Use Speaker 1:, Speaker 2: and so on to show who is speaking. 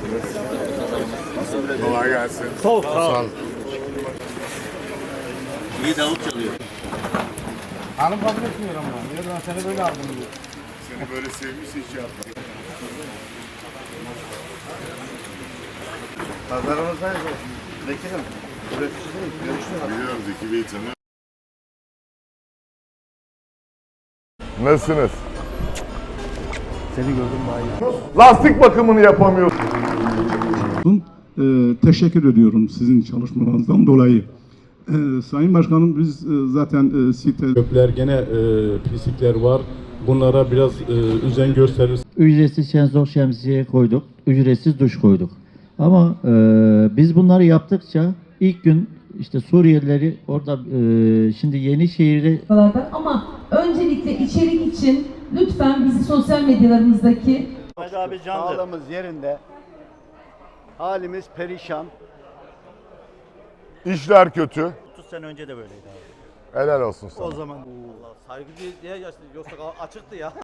Speaker 1: Kolay gelsin.
Speaker 2: Soğuk. Sağ ol.
Speaker 3: İyi davul çalıyor.
Speaker 2: Hanım kabul etmiyor ama. Diyor ben seni böyle aldım diyor.
Speaker 1: Seni böyle sevmişse hiç yapma.
Speaker 2: Pazarımızdayız. Vekilim. Üreticiyiz. Görüşürüz.
Speaker 1: Biliyorum Zeki Bey'i tanıyorum. Nasılsınız?
Speaker 2: Seni gördüm daha iyi.
Speaker 1: Lastik bakımını yapamıyorsun.
Speaker 4: Teşekkür ediyorum sizin çalışmalarınızdan dolayı. Sayın Başkanım biz zaten site kökler gene pislikler var. Bunlara biraz özen gösterir.
Speaker 5: Ücretsiz şenzor şemsiye koyduk, ücretsiz duş koyduk. Ama biz bunları yaptıkça ilk gün işte Suriyelileri orada şimdi Yenişehir'de
Speaker 6: Ama öncelikle içerik için lütfen bizi sosyal medyalarımızdaki
Speaker 2: Abi sağlığımız yerinde. Halimiz perişan.
Speaker 1: İşler kötü.
Speaker 7: 30 sene önce de böyleydi abi.
Speaker 1: Helal olsun sana.
Speaker 2: O zaman
Speaker 7: Saygı diye yoksa açıktı ya.